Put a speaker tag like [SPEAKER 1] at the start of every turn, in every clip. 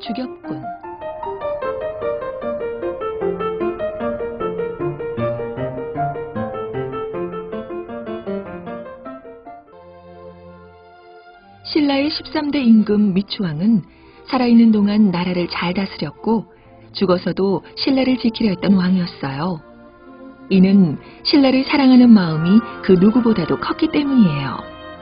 [SPEAKER 1] 주겹군. 신라의 13대 임금 미추왕은 살아있는 동안 나라를 잘 다스렸고 죽어서도 신라를 지키려 했던 왕이었어요. 이는 신라를 사랑하는 마음이 그 누구보다도 컸기 때문이에요.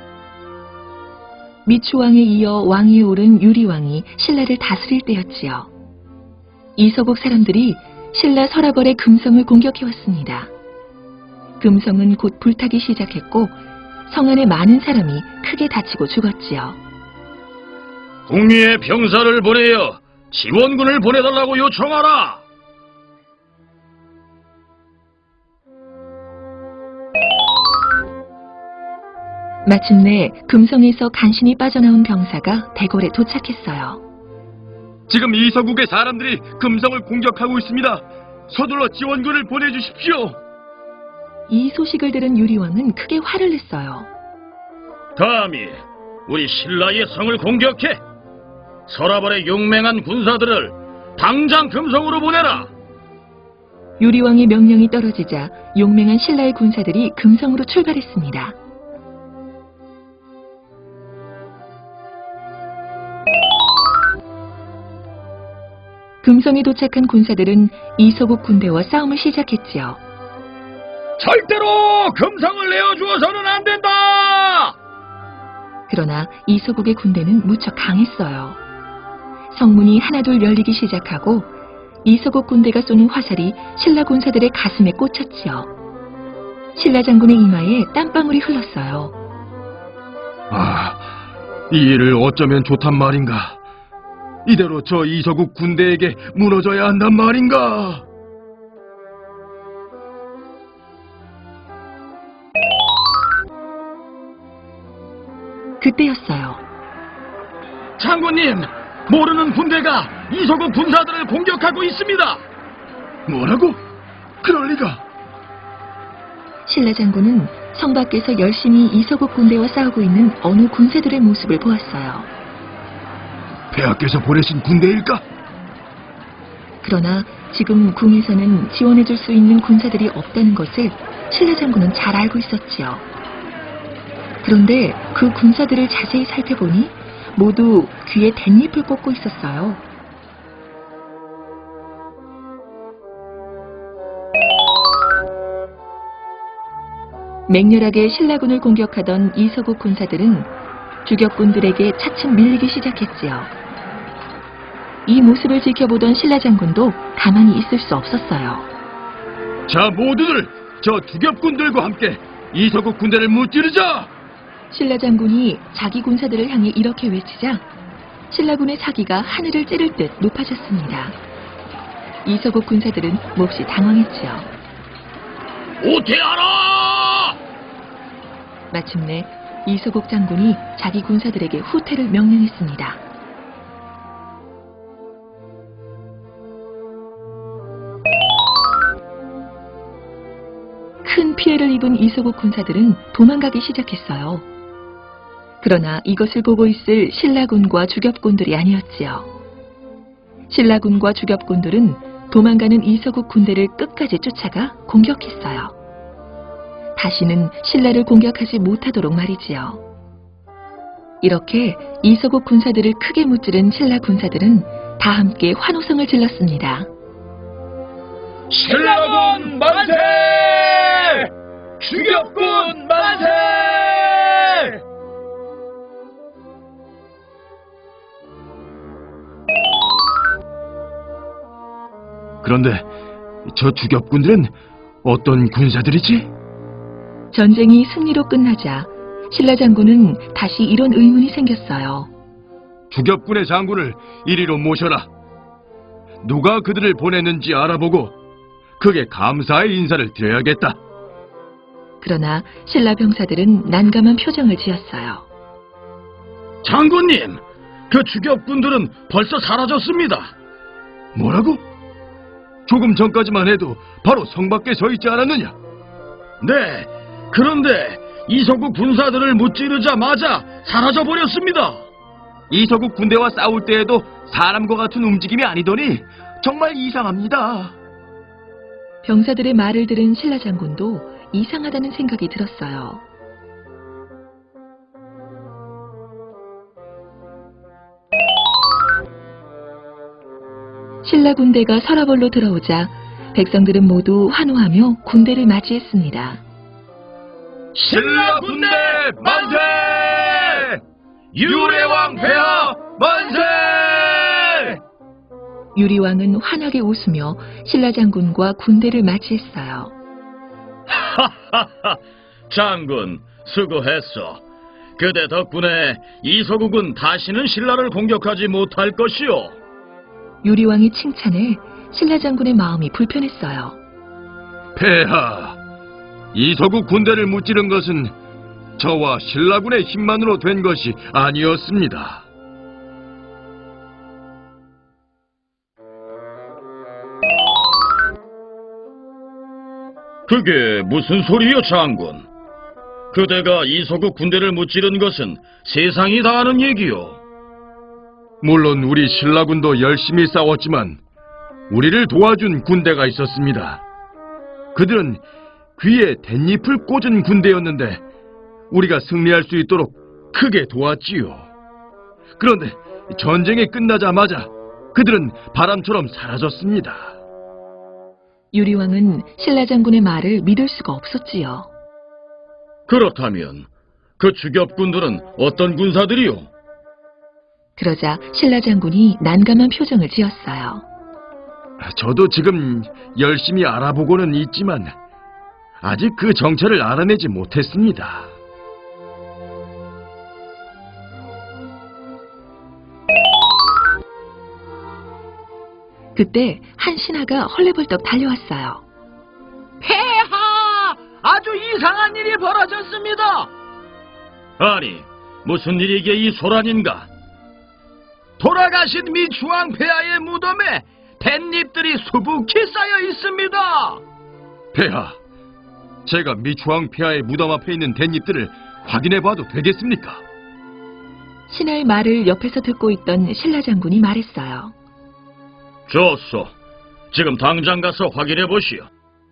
[SPEAKER 1] 미추왕에 이어 왕위에 오른 유리왕이 신라를 다스릴 때였지요. 이서국 사람들이 신라 서라벌의 금성을 공격해왔습니다. 금성은 곧 불타기 시작했고 성 안에 많은 사람이 크게 다치고 죽었지요.
[SPEAKER 2] 궁리에 병사를 보내어 지원군을 보내달라고 요청하라.
[SPEAKER 1] 마침내 금성에서 간신히 빠져나온 병사가 대궐에 도착했어요.
[SPEAKER 2] 지금 이서국의 사람들이 금성을 공격하고 있습니다. 서둘러 지원군을 보내주십시오.
[SPEAKER 1] 이 소식을 들은 유리왕은 크게 화를 냈어요.
[SPEAKER 2] 감히 우리 신라의 성을 공격해 서라벌의 용맹한 군사들을 당장 금성으로 보내라.
[SPEAKER 1] 유리왕의 명령이 떨어지자 용맹한 신라의 군사들이 금성으로 출발했습니다. 금성에 도착한 군사들은 이서국 군대와 싸움을 시작했지요.
[SPEAKER 2] 절대로 금성을 내어주어서는 안 된다.
[SPEAKER 1] 그러나 이서국의 군대는 무척 강했어요. 성문이 하나둘 열리기 시작하고 이서국 군대가 쏘는 화살이 신라 군사들의 가슴에 꽂혔지요. 신라 장군의 이마에 땀방울이 흘렀어요.
[SPEAKER 2] 이 일을 어쩌면 좋단 말인가. 이대로 저 이서국 군대에게 무너져야 한단 말인가.
[SPEAKER 1] 그때였어요.
[SPEAKER 2] 장군님, 모르는 군대가 이서국 군사들을 공격하고 있습니다. 뭐라고? 그럴 리가.
[SPEAKER 1] 신라 장군은 성 밖에서 열심히 이서국 군대와 싸우고 있는 어느 군사들의 모습을 보았어요.
[SPEAKER 2] 폐하께서 보내신 군대일까?
[SPEAKER 1] 그러나 지금 궁에서는 지원해줄 수 있는 군사들이 없다는 것을 신라 장군은 잘 알고 있었지요. 그런데 그 군사들을 자세히 살펴보니 모두 귀에 댄잎을 꽂고 있었어요. 맹렬하게 신라군을 공격하던 이서국 군사들은 주격군들에게 차츰 밀리기 시작했지요. 이 모습을 지켜보던 신라 장군도 가만히 있을 수 없었어요.
[SPEAKER 2] 자, 모두들 저 주겹군들과 함께 이서국 군대를 무찌르자.
[SPEAKER 1] 신라 장군이 자기 군사들을 향해 이렇게 외치자 신라군의 사기가 하늘을 찌를 듯 높아졌습니다. 이서국 군사들은 몹시 당황했지요.
[SPEAKER 2] 오퇴하라!
[SPEAKER 1] 마침내 이서국 장군이 자기 군사들에게 후퇴를 명령했습니다. 큰 피해를 입은 이서국 군사들은 도망가기 시작했어요. 그러나 이것을 보고 있을 신라군과 주겹군들이 아니었지요. 신라군과 주겹군들은 도망가는 이서국 군대를 끝까지 쫓아가 공격했어요. 다시는 신라를 공격하지 못하도록 말이지요. 이렇게 이서국 군사들을 크게 무찌른 신라 군사들은 다 함께 환호성을 질렀습니다.
[SPEAKER 2] 신라군 만세! 주겹군 만세! 그런데 저 주겹군들은 어떤 군사들이지?
[SPEAKER 1] 전쟁이 승리로 끝나자 신라 장군은 다시 이런 의문이 생겼어요.
[SPEAKER 2] 주겹군의 장군을 이리로 모셔라. 누가 그들을 보냈는지 알아보고 그게 감사의 인사를 드려야겠다.
[SPEAKER 1] 그러나 신라 병사들은 난감한 표정을 지었어요.
[SPEAKER 2] 장군님, 그 주겹군들은 벌써 사라졌습니다. 뭐라고? 조금 전까지만 해도 바로 성 밖에 서 있지 않았느냐? 네, 그런데 이서국 군사들을 무찌르자마자 사라져버렸습니다. 이서국 군대와 싸울 때에도 사람과 같은 움직임이 아니더니 정말 이상합니다.
[SPEAKER 1] 병사들의 말을 들은 신라 장군도 이상하다는 생각이 들었어요. 신라 군대가 서라벌로 들어오자 백성들은 모두 환호하며 군대를 맞이했습니다.
[SPEAKER 2] 신라 군대 만세! 유래왕 폐하 만세!
[SPEAKER 1] 유리왕은 환하게 웃으며 신라 장군과 군대를 맞이했어요.
[SPEAKER 2] 하하하, 장군 수고했어. 그대 덕분에 이서국은 다시는 신라를 공격하지 못할 것이오.
[SPEAKER 1] 유리왕의 칭찬에 신라 장군의 마음이 불편했어요.
[SPEAKER 2] 폐하, 이서국 군대를 무찌른 것은 저와 신라군의 힘만으로 된 것이 아니었습니다. 그게 무슨 소리요, 장군? 그대가 이서국 군대를 무찌른 것은 세상이 다 아는 얘기요. 물론 우리 신라군도 열심히 싸웠지만 우리를 도와준 군대가 있었습니다. 그들은 귀에 댄잎을 꽂은 군대였는데 우리가 승리할 수 있도록 크게 도왔지요. 그런데 전쟁이 끝나자마자 그들은 바람처럼 사라졌습니다.
[SPEAKER 1] 유리왕은 신라 장군의 말을 믿을 수가 없었지요.
[SPEAKER 2] 그렇다면 그 주겹군들은 어떤 군사들이요?
[SPEAKER 1] 그러자 신라 장군이 난감한 표정을 지었어요.
[SPEAKER 2] 저도 지금 열심히 알아보고는 있지만 아직 그 정체를 알아내지 못했습니다.
[SPEAKER 1] 그때 한 신하가 헐레벌떡 달려왔어요.
[SPEAKER 2] 폐하! 아주 이상한 일이 벌어졌습니다. 아니, 무슨 일이게 이 소란인가? 돌아가신 미추왕 폐하의 무덤에 댄잎들이 수북히 쌓여 있습니다. 폐하, 제가 미추왕 폐하의 무덤 앞에 있는 댄잎들을 확인해봐도 되겠습니까?
[SPEAKER 1] 신하의 말을 옆에서 듣고 있던 신라 장군이 말했어요.
[SPEAKER 2] 좋소. 지금 당장 가서 확인해보시오.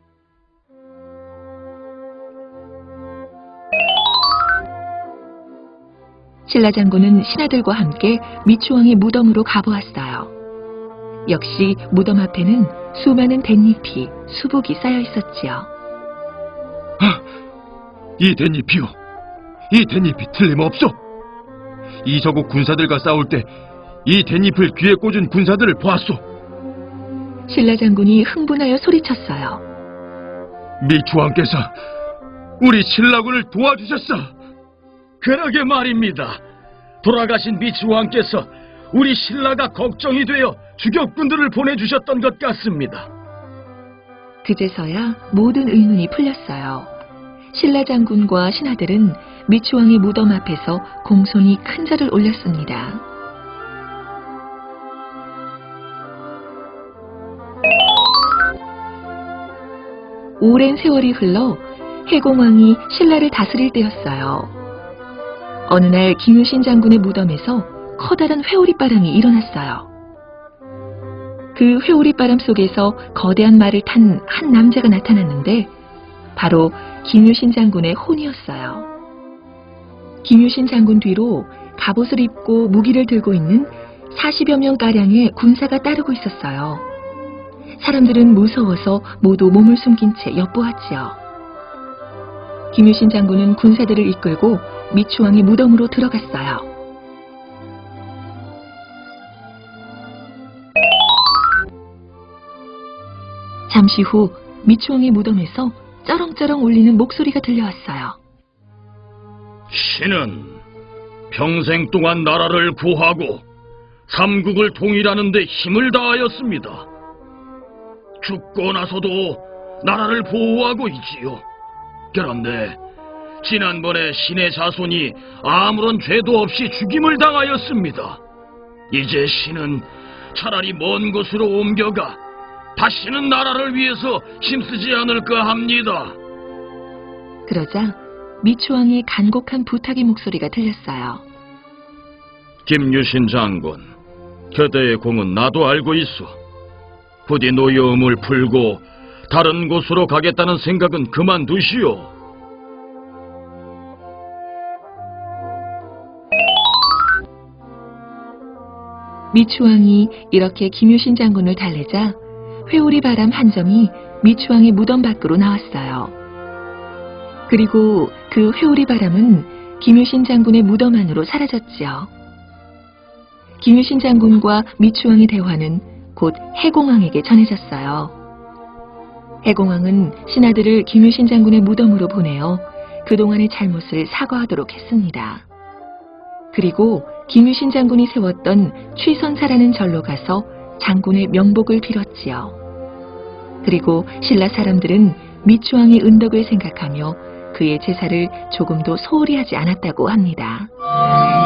[SPEAKER 1] 신라 장군은 신하들과 함께 미추왕의 무덤으로 가보았어요. 역시 무덤 앞에는 수많은 댄잎이 수북이 쌓여 있었지요.
[SPEAKER 2] 이 댄잎이요. 이 댄잎이 틀림없어. 이서국 군사들과 싸울 때 이 댄잎을 귀에 꽂은 군사들을 보았소.
[SPEAKER 1] 신라 장군이 흥분하여 소리쳤어요.
[SPEAKER 2] 미추왕께서 우리 신라군을 도와주셨어. 그러게 말입니다. 돌아가신 미추왕께서 우리 신라가 걱정이 되어 주격군들을 보내주셨던 것 같습니다.
[SPEAKER 1] 그제서야 모든 의문이 풀렸어요. 신라 장군과 신하들은 미추왕의 무덤 앞에서 공손히 큰 절을 올렸습니다. 오랜 세월이 흘러 해공왕이 신라를 다스릴 때였어요. 어느 날 김유신 장군의 무덤에서 커다란 회오리바람이 일어났어요. 그 회오리바람 속에서 거대한 말을 탄 한 남자가 나타났는데 바로 김유신 장군의 혼이었어요. 김유신 장군 뒤로 갑옷을 입고 무기를 들고 있는 40여 명가량의 군사가 따르고 있었어요. 사람들은 무서워서 모두 몸을 숨긴 채 엿보았지요. 김유신 장군은 군사들을 이끌고 미추왕의 무덤으로 들어갔어요. 잠시 후 미추왕의 무덤에서 쩌렁쩌렁 울리는 목소리가 들려왔어요.
[SPEAKER 2] 신은 평생 동안 나라를 구하고 삼국을 통일하는 데 힘을 다하였습니다. 죽고 나서도 나라를 보호하고 있지요. 그런데 지난번에 신의 자손이 아무런 죄도 없이 죽임을 당하였습니다. 이제 신은 차라리 먼 곳으로 옮겨가 다시는 나라를 위해서 힘쓰지 않을까 합니다.
[SPEAKER 1] 그러자 미추왕의 간곡한 부탁의 목소리가 들렸어요.
[SPEAKER 2] 김유신 장군, 겨대의 공은 나도 알고 있어. 부디 노여움을 풀고 다른 곳으로 가겠다는 생각은 그만두시오.
[SPEAKER 1] 미추왕이 이렇게 김유신 장군을 달래자 회오리 바람 한 점이 미추왕의 무덤 밖으로 나왔어요. 그리고 그 회오리 바람은 김유신 장군의 무덤 안으로 사라졌지요. 김유신 장군과 미추왕의 대화는 곧 해공왕에게 전해졌어요. 해공왕은 신하들을 김유신 장군의 무덤으로 보내어 그동안의 잘못을 사과하도록 했습니다. 그리고 김유신 장군이 세웠던 취선사라는 절로 가서 장군의 명복을 빌었지요. 그리고 신라 사람들은 미추왕의 은덕을 생각하며 그의 제사를 조금도 소홀히 하지 않았다고 합니다.